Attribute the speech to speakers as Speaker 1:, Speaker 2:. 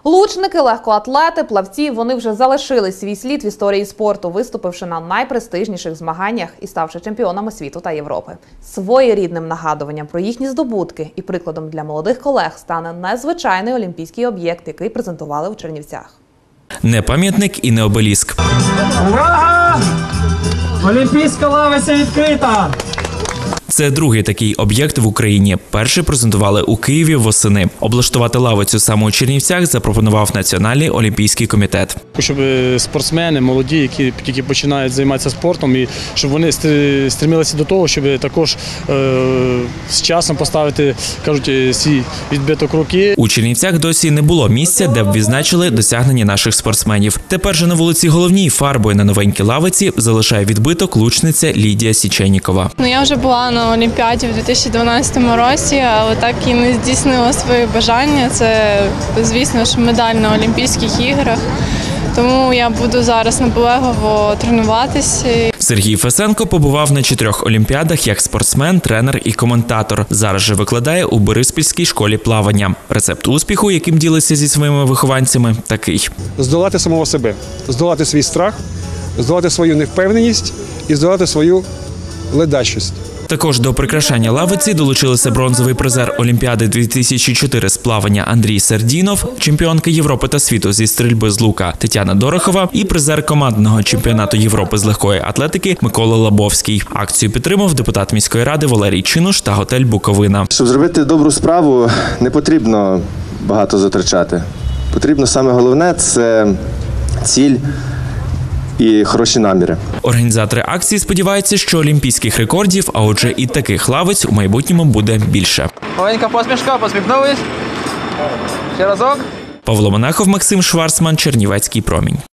Speaker 1: Лучники, легкоатлети, плавці – вони вже залишили свій слід в історії спорту, виступивши на найпрестижніших змаганнях і ставши чемпіонами світу та Європи. Своєрідним нагадуванням про їхні здобутки і прикладом для молодих колег стане незвичайний олімпійський об'єкт, який презентували у Чернівцях.
Speaker 2: Не пам'ятник і не обеліск.
Speaker 3: Увага! Олімпійська лавиця відкрита!
Speaker 2: Це другий такий об'єкт в Україні. Перший презентували у Києві восени. Облаштувати лавицю саме у Чернівцях запропонував Національний олімпійський комітет.
Speaker 4: Щоб спортсмени, молоді, які тільки починають займатися спортом, і щоб вони стремилися до того, щоб також з часом поставити, кажуть, свій відбиток руки.
Speaker 2: У Чернівцях досі не було місця, де б відзначили досягнення наших спортсменів. Тепер же на вулиці Головній фарбою на новенькій лавиці залишає відбиток лучниця Лідія Січенікова.
Speaker 5: Я вже була на Олімпіаді в 2012 році, але так і не здійснила свої бажання. Це, звісно ж, медаль на Олімпійських іграх. Тому я буду зараз наполегливо тренуватися.
Speaker 2: Сергій Фесенко побував на 4 олімпіадах як спортсмен, тренер і коментатор. Зараз же викладає у Бориспільській школі плавання. Рецепт успіху, яким ділиться зі своїми вихованцями, такий.
Speaker 6: Здолати самого себе, здолати свій страх, здолати свою невпевненість і здолати свою ледачість.
Speaker 2: Також до прикрашання лавиці долучилися бронзовий призер Олімпіади 2004 з плавання Андрій Сердінов, чемпіонка Європи та світу зі стрільби з лука Тетяна Дорохова і призер командного чемпіонату Європи з легкої атлетики Микола Лабовський. Акцію підтримав депутат міської ради Валерій Чинуш та готель «Буковина».
Speaker 7: Щоб зробити добру справу, не потрібно багато затрачати. Потрібно саме головне – це ціль і хороші наміри.
Speaker 2: Організатори акції сподіваються, що олімпійських рекордів, а отже і таких лавиць у майбутньому буде більше.
Speaker 8: Маленька посмішка, посміхнулись. Ще разок.
Speaker 2: Павло Монахов, Максим Шварцман, Чернівецький промінь.